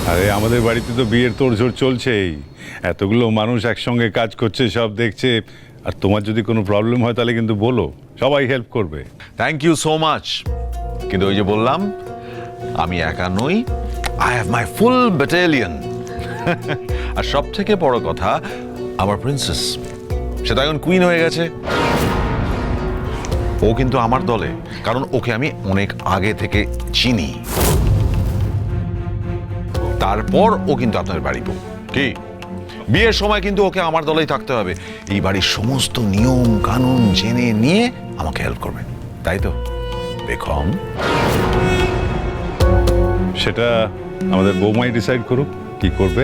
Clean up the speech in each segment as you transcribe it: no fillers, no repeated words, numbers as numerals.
আরে আমাদের বাড়িতে তো বিয়ের তোড়জোড় চলছেই, এতগুলো মানুষ একসঙ্গে কাজ করছে, সব দেখছে। আর তোমার যদি কোনো প্রবলেম হয় তাহলে কিন্তু বলো, সবাই হেল্প করবে। Thank you so much. কিন্তু ওই যে বললাম, আমি একা নই, I have my full battalion. আর সব থেকে বড় কথা, আমার প্রিন্সেস, সে তো এখন কুইন হয়ে গেছে। ও কিন্তু আমার দলে, কারণ ওকে আমি অনেক আগে থেকে চিনি। তারপর ও কিন্তু আপনার বাড়ি বউ। কি বিয়ের সময় কিন্তু ওকে আমার দলেই থাকতে হবে, এই বাড়ির সমস্ত নিয়ম কানুন জেনে নিয়ে আমাকে হেল্প করবে, তাই তো বেগম? সেটা আমাদের বৌমাই ডিসাইড করুক কি করবে।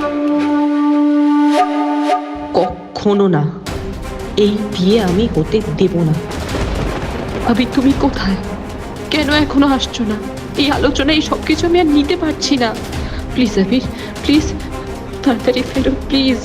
কখনো না, এই বিয়ে আমি হতে দেব না। ভাবি তুমি কোথায়? কেন এখনো আসছো না? এই আলোচনা, এই সব কিছু আমি আর নিতে পারছি না। প্লিজ আবির, প্লিজ তাড়াতাড়ি ফেরো প্লিজ।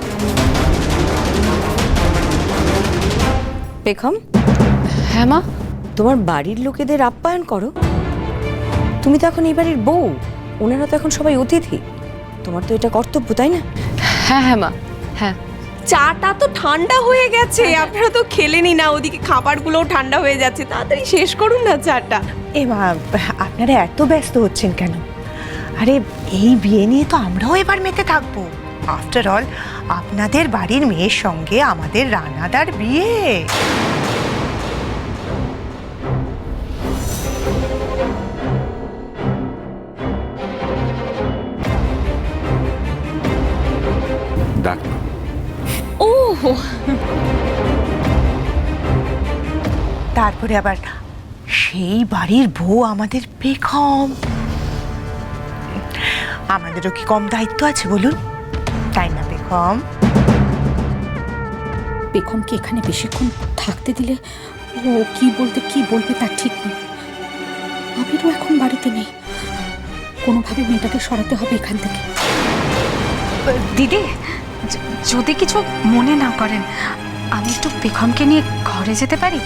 বেগম, হ্যাঁ মা। তোমার বাড়ির লোকেদের আপ্যায়ন করো। তুমি তো এখন এই বাড়ির বউ, ওনারা তো এখন সবাই অতিথি। তোমার তো এটা কর্তব্য, তাই না? হ্যাঁ হ্যাঁ মা, হ্যাঁ। চাটা তো ঠান্ডা হয়ে গেছে, আপনারা তো খেলেনি না, ওদিকে খাবারগুলোও ঠান্ডা হয়ে যাচ্ছে, তাড়াতাড়ি শেষ করুন না চাটা। মা, আপনারা এত ব্যস্ত হচ্ছেন কেন? আরে এই বিয়ে নিয়ে তো আমরাও এবার মেতে থাকবো। আফটার অল আপনাদের বাড়ির মেয়ের সঙ্গে আমাদের রানাদার বিয়ে। ডাক না। ও তারপরে আবার সেই বাড়ির বউ আমাদের বেগম। আমাদেরও কি কম দায়িত্ব আছে বলুন, তাই না বেগম? বেগমকে এখানে বেশিক্ষণ থাকতে দিলে ও কি বলবে তার ঠিক নেই। আবিরও এখন বাড়িতে নেই, কোনোভাবে মেয়েটাকে সরাতে হবে এখান থেকে। দিদি, যদি কিছু মনে না করেন, আমি একটু বেগমকে নিয়ে ঘরে যেতে পারি?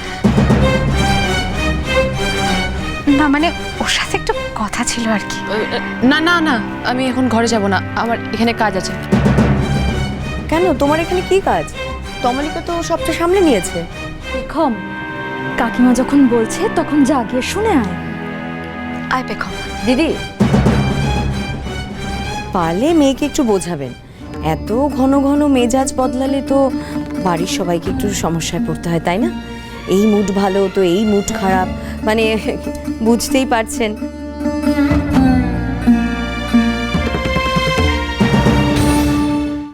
না মানে ওর সাথে একটু কথা ছিল আর কি। না না না, আমি এখন ঘরে যাব না, আমার এখানে কাজ আছে। কেন, তোমার এখানে কি কাজ? তমালিকা তো সবটা সামলে নিয়েছে। বেগম, কাকিমা যখন বলছে তখন যা গিয়ে শুনে আয়। আয় বেগম। দিদি, পারলে মেয়েকে একটু বোঝাবেন। এত ঘন ঘন মেজাজ বদলালে তো বাড়ির সবাইকে একটু সমস্যায় পড়তে হয়, তাই না? এই মুড ভালো তো এই মুড খারাপ, মানে বুঝতেই পারছেন।